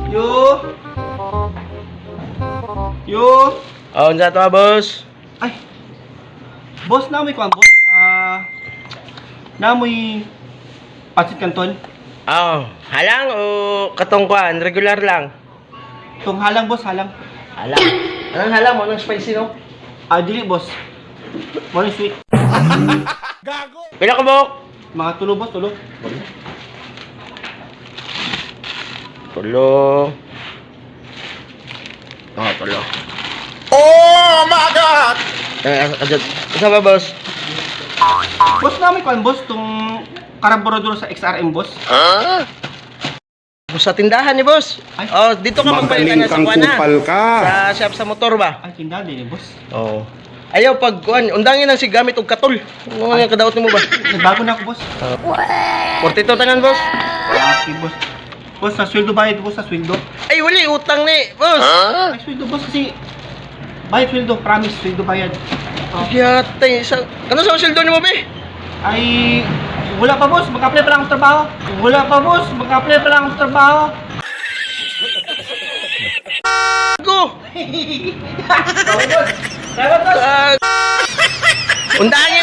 Yo. Yo. Oh, unsa to, boss? Ay. Boss, namoy ko ang boss. Namoy pancit canton. Oh, halang o katongkuan, regular lang. Tong halang boss, halang. Halang. Anong halang mo ng spicy no? Dili boss. Morning sweet. Pila ka bok? Mga tulo boss, tulo. Tulo. Oh, tulo. Oh my God! Isa ba, boss? Boss, namoy ko ang boss tong karburador sa XRM boss. Sa tindahan ni boss. Ay. Oh, dito ka magpalitan Magaling na sa kang kuana. kupal ka. Sa shop sa motor ba? Ay, tindahan din boss. Oo. Ayaw pag kuan, undangin ang si gamit og katol. Ano nga kadaot nimo ba? Nagbago na ako boss. 42 tanan, boss. Okay boss. Boss, sa sweldo bayad boss, sa sweldo. Ay, wali utang ni, boss. Ay, sweldo boss kasi bayad sweldo, promise sweldo bayad. Yatay, sa ano sa sweldo nimo be? Ay, wala pa boss, mag-apply pa lang ang trabaho. Wala pa boss, mag-apply pa lang ang trabaho. Go. Okay boss. Salamat boss. Undangin